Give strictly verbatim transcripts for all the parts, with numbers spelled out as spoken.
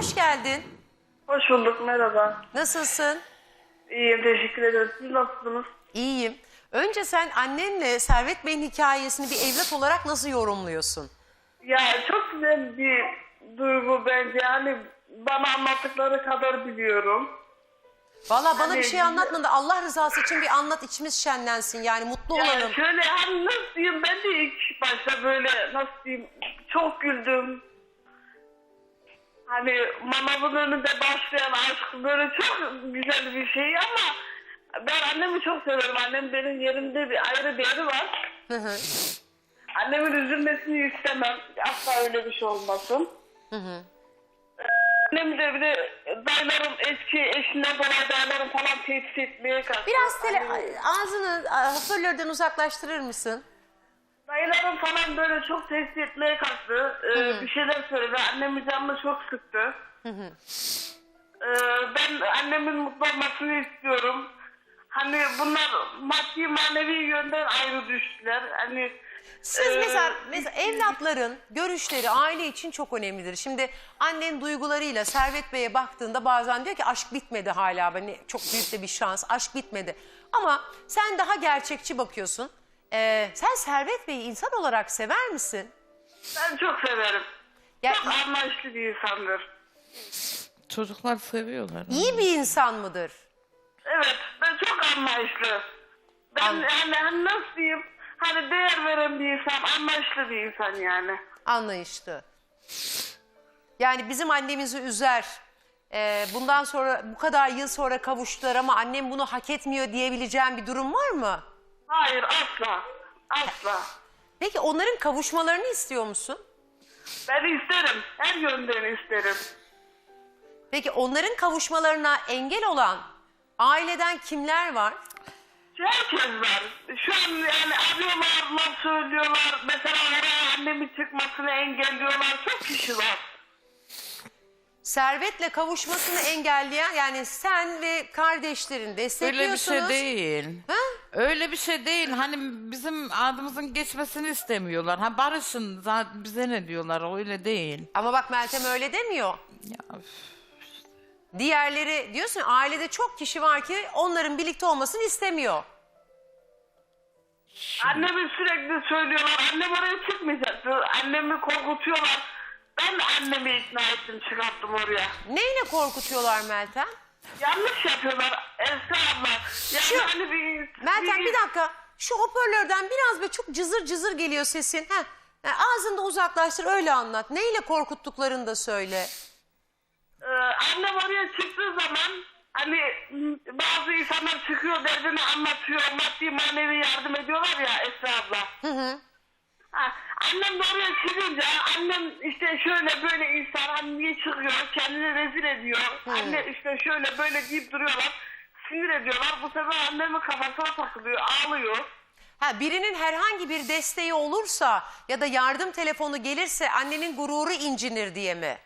hoş geldin. Hoş bulduk, merhaba. Nasılsın? İyiyim, teşekkür ederim. Siz nasılsınız? İyiyim. Önce sen annenle Servet Bey'in hikayesini bir evlat olarak nasıl yorumluyorsun? Ya çok güzel bir duygu bence. Yani bana anlattıkları kadar biliyorum. Valla bana Hani- bir şey anlatma da Allah rızası için bir anlat, içimiz şenlensin, yani mutlu olalım. Yani şöyle hani nasıl diyeyim, ben de ilk başta böyle nasıl diyeyim çok güldüm. Hani manavın önünde başlayan aşk böyle çok güzel bir şey ama ben annemi çok severim. Annem benim yerimde bir ayrı bir yeri var. Hı hı. Annemin üzülmesini istemem. Asla öyle bir şey olmasın. Hı hı. Annem de bir de dayılarım eski eşinden dolayı dayılarım falan tehdit etmeye kalktı. Biraz tele, Annem- ağzını a, hoparlörden uzaklaştırır mısın? Dayılarım falan böyle çok tehdit etmeye kalktı. Ee, Hı hı. bir şeyler söyledi. Annemin canını çok sıktı. Hı hı. Ee, ben annemin mutlu olmasını istiyorum. Hani bunlar maddi manevi yönden ayrı düştüler. Hani Siz e, mesela, mesela evlatların görüşleri aile için çok önemlidir. Şimdi annen duygularıyla Servet Bey'e baktığında bazen diyor ki aşk bitmedi hala. Hani çok büyük de bir şans, aşk bitmedi. Ama sen daha gerçekçi bakıyorsun. Ee, sen Servet Bey'i insan olarak sever misin? ben çok severim. Ya, Çok anlayışlı bir insandır. Çocuklar seviyorlar. iyi bir insan mıdır? Evet, ben çok anlayışlı. Ben An- yani hani nasıl diyeyim, hani değer veren bir insan, anlayışlı bir insan yani. Anlayışlı. Yani bizim annemizi üzer. Ee, bundan sonra bu kadar yıl sonra kavuştular ama annem bunu hak etmiyor diyebileceğim bir durum var mı? Hayır, asla. Asla. Peki onların kavuşmalarını istiyor musun? Ben isterim, her yönden isterim. Peki onların kavuşmalarına engel olan aileden kimler var? Herkes var. Şu an yani arıyorlar, laf söylüyorlar. Mesela oraya annemin çıkmasını engelliyorlar. Çok kişi var. Servet'le kavuşmasını engelleyen, yani sen ve kardeşlerin Öyle bir destekliyorsunuz. şey değil. Ha? Öyle bir şey değil. Hani bizim adımızın geçmesini istemiyorlar. Ha barışın zaten bize ne diyorlar, öyle değil. Ama bak Meltem öyle demiyor. Ya, üf. Diğerleri diyorsun ya, ailede çok kişi var ki onların birlikte olmasını istemiyor. Annemi sürekli söylüyorlar. Annem oraya çıkmayacaktı. Annemi korkutuyorlar. Ben de annemi ikna ettim, çıkarttım oraya. Neyle korkutuyorlar Meltem? Yanlış yapıyorlar Esra abla. Yani Şu- hani bir... Meltem bir dakika, şu hoparlörden biraz böyle çok cızır cızır geliyor sesin. Heh. Yani ağzını da uzaklaştır, öyle anlat. Neyle korkuttuklarını da söyle. Ee, annem oraya çıktığı zaman hani m, bazı insanlar çıkıyor, derdini anlatıyor, maddi manevi yardım ediyorlar ya Esra abla. Hı hı. Ha, annem de oraya çıkınca annem işte şöyle böyle insan hani niye çıkıyor, kendini rezil ediyor. Anne işte şöyle böyle deyip duruyorlar, sinir ediyorlar. Bu sefer annemin kafasına takılıyor, ağlıyor. Ha, birinin herhangi bir desteği olursa ya da yardım telefonu gelirse annenin gururu incinir diye mi?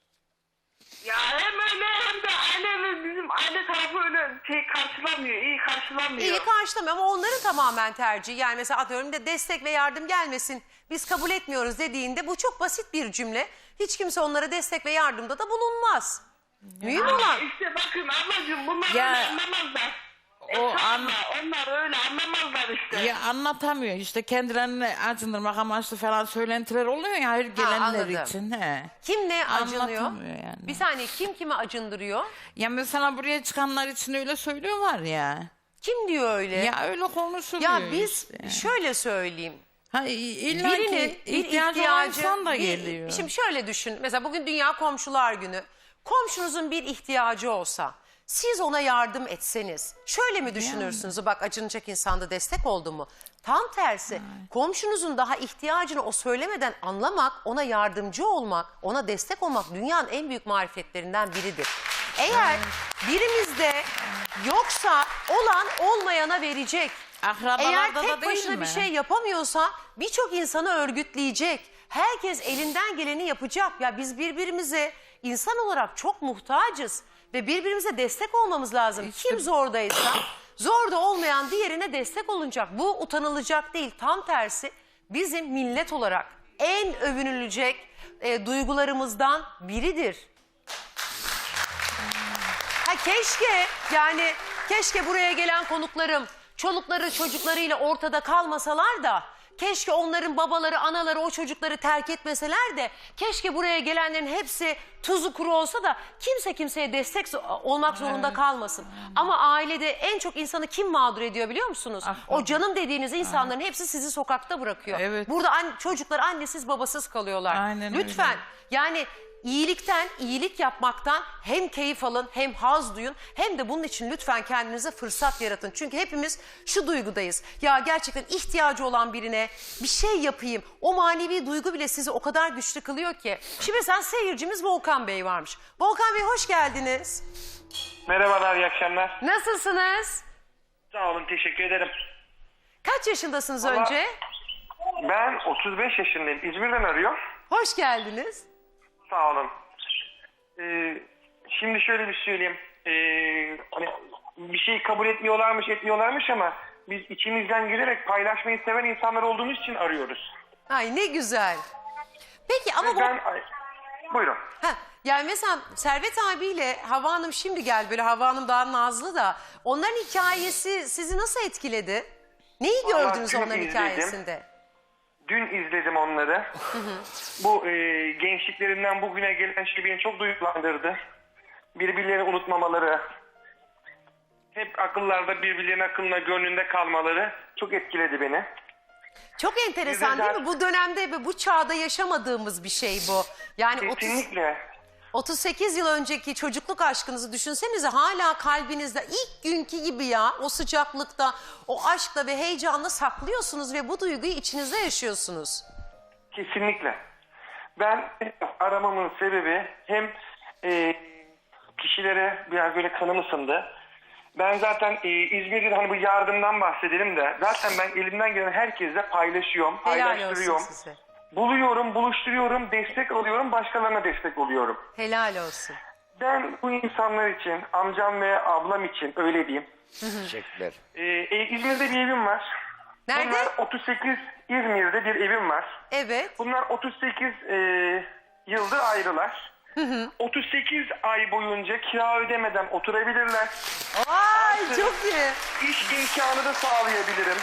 Ya hem öyle hem de aile bizim aile tarafı öyle şey karşılamıyor, iyi karşılamıyor. İyi karşılamıyor ama onların tamamen tercihi. Yani mesela atıyorum da destek ve yardım gelmesin, biz kabul etmiyoruz dediğinde bu çok basit bir cümle. Hiç kimse onlara destek ve yardımda da bulunmaz. Mühim Ama olan. işte bakın ablacığım bunlar Ya, öyle anlamazlar. o O an- Onlar öyle anlamazlar işte. Ya anlatamıyor işte, kendilerini acındırmak amaçlı falan söylentiler oluyor ya her gelenler anladım. için. He. Kim ne acınıyor? Anlatamıyor yani. Bir saniye, kim kimi acındırıyor? Ya mesela buraya çıkanlar için öyle söylüyorlar ya. Kim diyor öyle? Ya öyle konuşuluyor Ya biz işte. şöyle söyleyeyim. Ha, illa Birinin ki bir ihtiyacı olan ihtiyacı, insan da bir- geliyor. Şimdi şöyle düşün. Mesela bugün Dünya Komşular Günü. Komşunuzun bir ihtiyacı olsa, siz ona yardım etseniz, şöyle mi düşünürsünüz? Bak, acınacak insanda destek oldu mu? Tam tersi. Komşunuzun daha ihtiyacını o söylemeden anlamak, ona yardımcı olmak, ona destek olmak dünyanın en büyük marifetlerinden biridir. Eğer birimizde yoksa olan olmayana verecek. Akrabalarda Eğer da tek değil başına mi? bir şey yapamıyorsa birçok insanı örgütleyecek. Herkes elinden geleni yapacak. Ya biz birbirimize insan olarak çok muhtacız ve birbirimize destek olmamız lazım. İşte- Kim zordaysa zorda olmayan diğerine destek olunacak. Bu utanılacak değil, tam tersi bizim millet olarak en övünülecek e, duygularımızdan biridir. keşke yani keşke buraya gelen konuklarım çolukları çocuklarıyla ortada kalmasalar da keşke onların babaları anaları o çocukları terk etmeseler de keşke buraya gelenlerin hepsi tuzu kuru olsa da kimse kimseye destek zo- olmak zorunda kalmasın. Ama ailede en çok insanı kim mağdur ediyor biliyor musunuz? Ah, O canım dediğiniz insanların hepsi sizi sokakta bırakıyor. Evet. Burada an- çocuklar annesiz babasız kalıyorlar. Aynen Lütfen öyle. yani iyilikten, iyilik yapmaktan hem keyif alın hem haz duyun hem de bunun için lütfen kendinize fırsat yaratın. Çünkü hepimiz şu duygudayız. Ya gerçekten ihtiyacı olan birine bir şey yapayım. O manevi duygu bile sizi o kadar güçlü kılıyor ki. Şimdi mesela seyircimiz Volkan Bey varmış. Volkan Bey hoş geldiniz. Merhabalar, iyi akşamlar. Nasılsınız? Sağ olun, teşekkür ederim. Kaç yaşındasınız Valla- önce? Ben otuz beş yaşındayım. İzmir'den arıyor. Hoş geldiniz. Sağ olun. Ee, şimdi şöyle bir söyleyeyim. Ee, hani bir şeyi kabul etmiyorlarmış, etmiyorlarmış ama biz içimizden gelerek paylaşmayı seven insanlar olduğumuz için arıyoruz. Ay ne güzel. Peki ama Ve bu... ben... Ay, buyurun. Heh, yani mesela Servet abiyle Hava Hanım şimdi gel böyle Hava Hanım daha nazlı da onların hikayesi sizi nasıl etkiledi? Neyi Vallahi gördünüz dün onların izledim. hikayesinde? Dün izledim onları. Bu e, gençliklerinden bugüne gelen şey beni çok duygulandırdı. Birbirlerini unutmamaları, hep akıllarda birbirlerinin aklına gönlünde kalmaları çok etkiledi beni. Çok enteresan değil mi? Bu dönemde ve bu çağda yaşamadığımız bir şey bu. Yani otuz, Kesinlikle. otuz sekiz yıl önceki çocukluk aşkınızı düşünsenize hala kalbinizde ilk günkü gibi ya o sıcaklıkta, o aşkla ve heyecanla saklıyorsunuz ve bu duyguyu içinizde yaşıyorsunuz. Kesinlikle. Ben aramamın sebebi hem e, kişilere biraz böyle kanım ısındı. Ben zaten e, İzmir'de hani bu yardımdan bahsedelim de zaten ben elimden gelen herkesle paylaşıyorum, Helal olsun paylaştırıyorum. size. Buluyorum, buluşturuyorum, destek alıyorum, başkalarına destek oluyorum. Helal olsun. Ben bu insanlar için, amcam ve ablam için öyle diyeyim. Teşekkürler. Ee, e, İzmir'de bir evim var. Nerede? Bunlar otuz sekiz, İzmir'de bir evim var. Evet. Bunlar otuz sekiz e, yıldır ayrılar. otuz sekiz ay boyunca kira ödemeden oturabilirler. Ay çok iyi. İş imkanı da sağlayabilirim.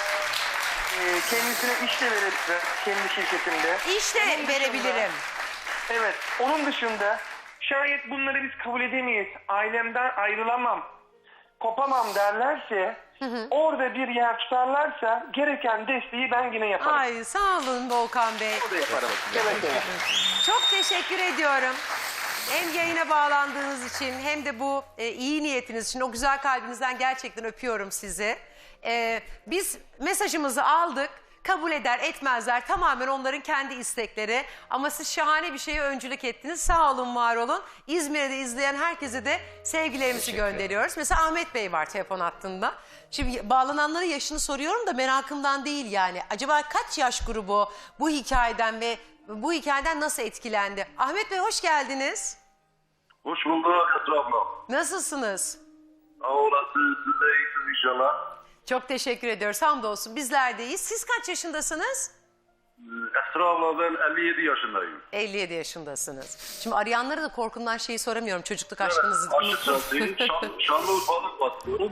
Ee, kendisine iş de verebilirim kendi şirketimde. İşte Onun dışında- verebilirim. Evet, onun dışında şayet bunları biz kabul edemeyiz, ailemden ayrılamam, kopamam derlerse, orada bir yer tutarlarsa gereken desteği ben yine yaparım. Ay sağ olun Volkan Bey. O da yaparım. Evet, evet. Çok teşekkür ediyorum. Hem yayına bağlandığınız için hem de bu e, iyi niyetiniz için o güzel kalbinizden gerçekten öpüyorum sizi. E, biz mesajımızı aldık. Kabul eder etmezler tamamen onların kendi istekleri. Ama siz şahane bir şeye öncülük ettiniz. Sağ olun, var olun. İzmir'de izleyen herkese de sevgilerimizi gönderiyoruz. Mesela Ahmet Bey var telefon hattında. Şimdi bağlananların yaşını soruyorum da merakımdan değil yani. Acaba kaç yaş grubu bu hikayeden ve bu hikayeden nasıl etkilendi? Ahmet Bey hoş geldiniz. Hoş bulduk Esra abla. Nasılsınız? Sağ olasın. Siz de iyisiniz inşallah. Çok teşekkür ediyoruz. Hamdolsun bizler de iyiyiz. Siz kaç yaşındasınız? Esra abla ben elli yedi yaşındayım. elli yedi yaşındasınız. Şimdi arayanlara da korkumdan şeyi soramıyorum. Çocukluk aşkınızı. Açıkçası Şan, Şanlıurfa'dan bakıyorum.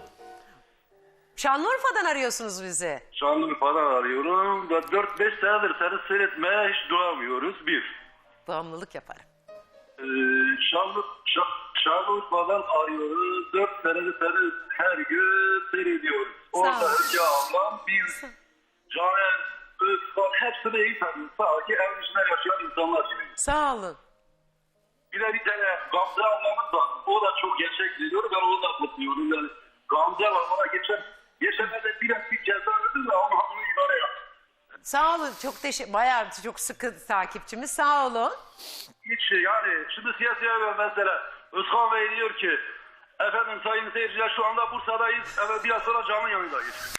Şanlıurfa'dan arıyorsunuz bizi. Şanlıurfa'dan arıyorum. Ve dört beş senedir seni seyretmeye hiç duramıyoruz. Bir. Bağımlılık yaparım. Ee, Şanlı, Şan, Şanlıurfa'dan arıyoruz. Dört senedir seni her gün seyrediyoruz. Orada ol. önce ablam biz Caner, Özkan hepsini iyi tanıyoruz. Sadece evin içinde yaşayan insanlar gibi. Sağ olun. Bir de bir tane Gamze ablamız var. O da çok gerçek geliyor. Ben onu da kutluyorum. Yani Gamze var. Ona geçen geçenlerde biraz bir ceza verdi de onu onu idare yaptı. Sağ olun. Çok teşekkür. Bayağı çok sıkı takipçimiz. Sağ olun. Hiç şey yani şimdi siyasi haber mesela Özkan Bey diyor ki efendim sayın seyirciler şu anda Bursa'dayız. Evet biraz sonra canlı yayındayız.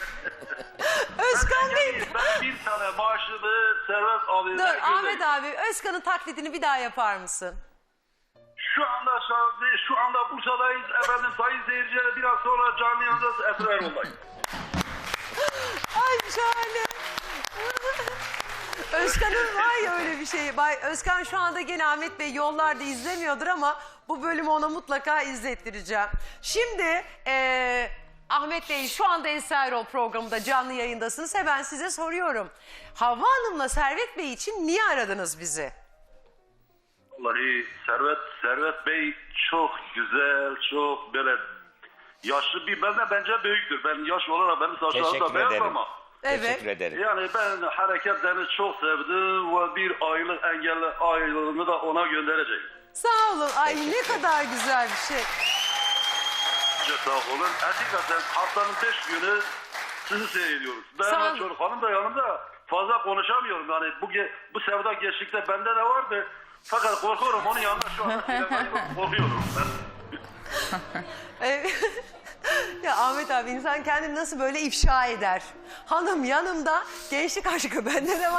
Özkan Bey. Yani ben bir tane maaşlı Servet abimden Dur Ahmet gönderdim. abi Özkan'ın taklidini bir daha yapar mısın? Şu anda şu anda, şu anda Bursa'dayız. Efendim sayın seyirciler biraz sonra canlı yayındayız. Esra Erol'dayız. Ay şahane. Özkan'ın var ya öyle bir şey. Bay Özkan şu anda gene Ahmet Bey yollarda izlemiyordur ama bu bölümü ona mutlaka izlettireceğim. Şimdi eee, Ahmet Bey şu anda Esra Erol programında canlı yayındasınız. Hemen size soruyorum. Havva Hanım'la Servet Bey için niye aradınız bizi? Vallahi Servet, Servet Bey çok güzel, çok böyle yaşlı bir, benden bence büyüktür. Ben yaş olarak benim saçlarım da Teşekkür beyaz ederim. ama. Evet. Teşekkür ederim. Yani ben hareketlerini çok sevdim ve bir aylık engelli aylığını da ona göndereceğim. Sağ olun. Ay ne kadar güzel bir şey. Çok sağ olun. Hakikaten haftanın beş günü sizi seyrediyoruz. Ben Sağ ve olun. çocuk hanım da yanımda, fazla konuşamıyorum. Yani bu, ge- bu sevda gençlikte bende de vardı. Fakat korkuyorum onun yanında şu anda korkuyorum. Ee, ya Ahmet abi insan kendini nasıl böyle ifşa eder? Hanım yanımda, gençlik aşkı bende de var.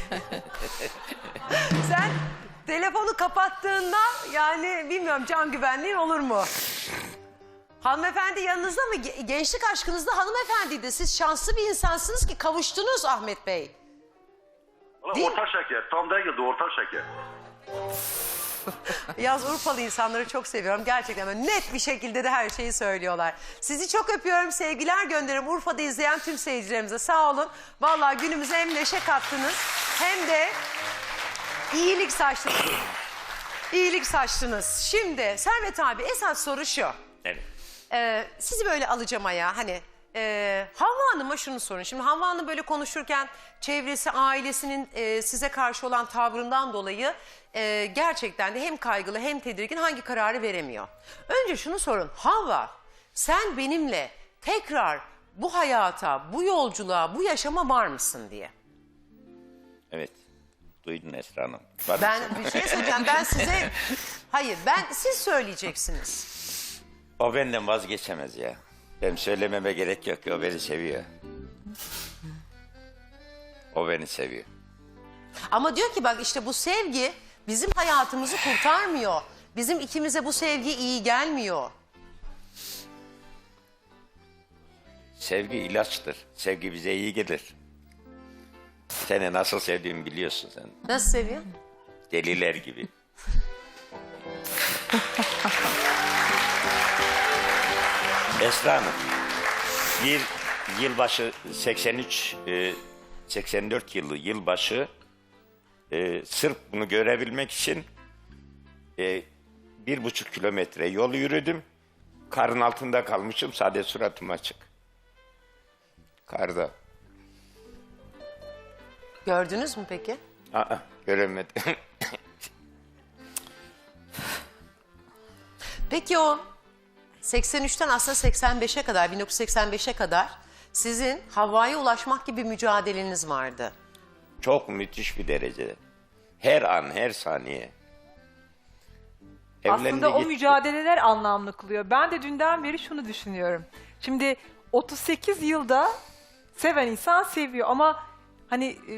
Sen telefonu kapattığında yani bilmiyorum can güvenliğin olur mu? Hanımefendi yanınızda mı? Ge- Gençlik aşkınızda hanımefendiydi. Siz şanslı bir insansınız ki kavuştunuz Ahmet Bey. Valla Değil orta şeker. Tam değildi, orta şeker. Yaz Urfalı insanları çok seviyorum. Gerçekten böyle net bir şekilde de her şeyi söylüyorlar. Sizi çok öpüyorum. Sevgiler gönderirim Urfa'da izleyen tüm seyircilerimize. Sağ olun. Vallahi günümüze hem neşe kattınız hem de iyilik saçtınız. İyilik saçtınız. Şimdi Servet abi esas soru şu. Evet. Ee, sizi böyle alacağım ayağa hani e, Havva Hanım'a şunu sorun. Şimdi Havva Hanım böyle konuşurken çevresi ailesinin e, size karşı olan tavrından dolayı e, gerçekten de hem kaygılı hem tedirgin hangi kararı veremiyor. Önce şunu sorun Havva sen benimle tekrar bu hayata, bu yolculuğa, bu yaşama var mısın diye. Evet. Duydun Esra Hanım. Var Ben mısın? bir şey söyleyeceğim ben size hayır ben siz söyleyeceksiniz. O benden vazgeçemez ya. Benim söylememe gerek yok ki o beni seviyor. O beni seviyor. Ama diyor ki bak işte bu sevgi bizim hayatımızı kurtarmıyor. Bizim ikimize bu sevgi iyi gelmiyor. Sevgi ilaçtır. Sevgi bize iyi gelir. Seni nasıl sevdiğimi biliyorsun sen. Nasıl seviyor? Deliler gibi. Esra Hanım, bir yılbaşı seksen üç, e, seksen dört yılı yılbaşı e, sırf bunu görebilmek için e, bir buçuk kilometre yol yürüdüm. Karın altında kalmışım, sadece suratım açık. Karda. Gördünüz mü peki? Aa, göremedim. Peki o seksen üçten aslında seksen beşe kadar, bin dokuz yüz seksen beşe kadar sizin Havva'ya ulaşmak gibi mücadeleniz vardı. Çok müthiş bir derecede. Her an, her saniye. Aslında Evlendi o gitti. mücadeleler anlamlı kılıyor. Ben de dünden beri şunu düşünüyorum. Şimdi otuz sekiz yılda seven insan seviyor ama hani e,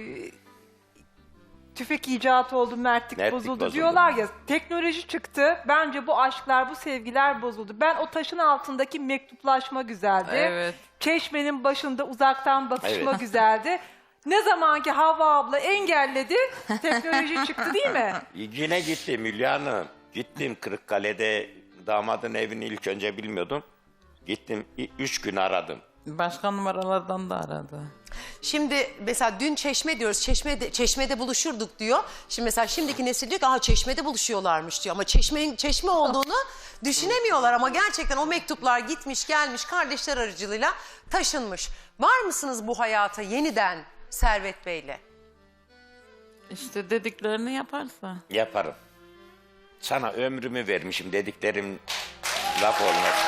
tüfek icatı oldu, mertlik, Mertlik bozuldu, bozuldu. diyorlar ya. Teknoloji çıktı. Bence bu aşklar, bu sevgiler bozuldu. Ben o taşın altındaki mektuplaşma güzeldi. Evet. Çeşmenin başında uzaktan bakışma Evet. güzeldi. Ne zaman ki Havva abla engelledi, teknoloji çıktı değil mi? Yine gittim Hülya Hanım. Gittim Kırıkkale'de damadın evini ilk önce bilmiyordum. Gittim i- üç gün aradım. Başka numaralardan da aradı. Şimdi mesela dün Çeşme diyoruz, Çeşme'de, Çeşme'de buluşurduk diyor. Şimdi mesela şimdiki nesil diyor ki aha Çeşme'de buluşuyorlarmış diyor. Ama Çeşme'nin Çeşme olduğunu düşünemiyorlar ama gerçekten o mektuplar gitmiş gelmiş kardeşler aracılığıyla taşınmış. Var mısınız bu hayata yeniden Servet Bey'le? İşte dediklerini yaparsa. Yaparım. Sana ömrümü vermişim dediklerim laf olmaz.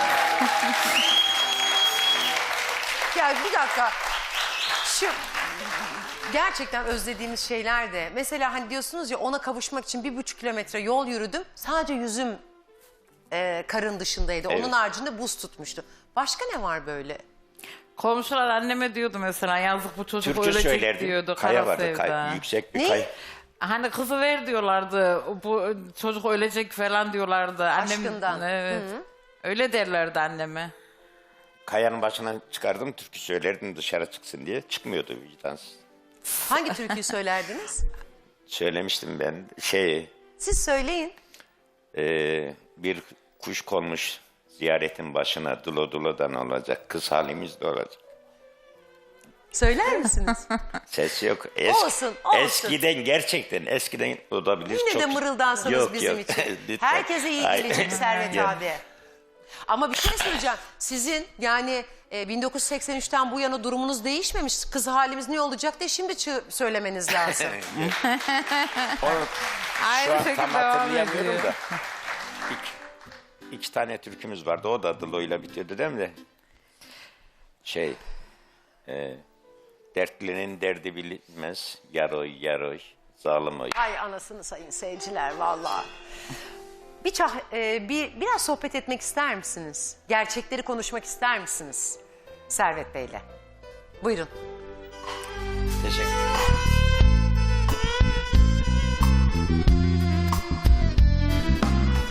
Ya bir dakika. Şu gerçekten özlediğimiz şeyler de. Mesela hani diyorsunuz ya ona kavuşmak için bir buçuk kilometre yol yürüdüm. Sadece yüzüm e, karın dışındaydı. Onun Evet. haricinde buz tutmuştu. Başka ne var böyle? Komşular anneme diyordu mesela yazık bu çocuk Türkü ölecek söylerdim. diyordu. Kaya Kara vardı. sevda. Kay, yüksek bir Ne? kay. Hani kızı ver diyorlardı. Bu çocuk ölecek falan diyorlardı. Annem, Aşkından. Evet. Öyle derlerdi anneme. Kayanın başına çıkardım türkü söylerdim dışarı çıksın diye. Çıkmıyordu vicdansız. Hangi türküyü söylerdiniz? Söylemiştim ben şey Siz söyleyin. e, bir kuş konmuş ziyaretin başına dulo dulodan olacak. Kız halimiz de olacak. Söyler misiniz? Ses yok. Eski, Olsun, olsun. Eskiden gerçekten eskiden olabilir. Yine çok... de mırıldansanız Yok, bizim yok. için. Lütfen. Herkese iyi Hayır. gelecek Servet Gel. abi. Ama bir şey söyleyeceğim. Sizin yani e, bin dokuz yüz seksen üçten bu yana durumunuz değişmemiş. Kız halimiz ne olacak diye şimdi çı- söylemeniz lazım. Onu Aynı şu an şekilde tam devam hatırlayamıyorum ediyor. da. İki, iki tane türkümüz vardı. O da Dılo'yla bitiyordu değil mi de? Şey... E, dertlinin derdi bilinmez. Yaroy yaroy. Zalim oy. Ay anasını sayın seyirciler vallahi. Bir, çah, e, bir biraz sohbet etmek ister misiniz? Gerçekleri konuşmak ister misiniz? Servet Bey'le. Buyurun.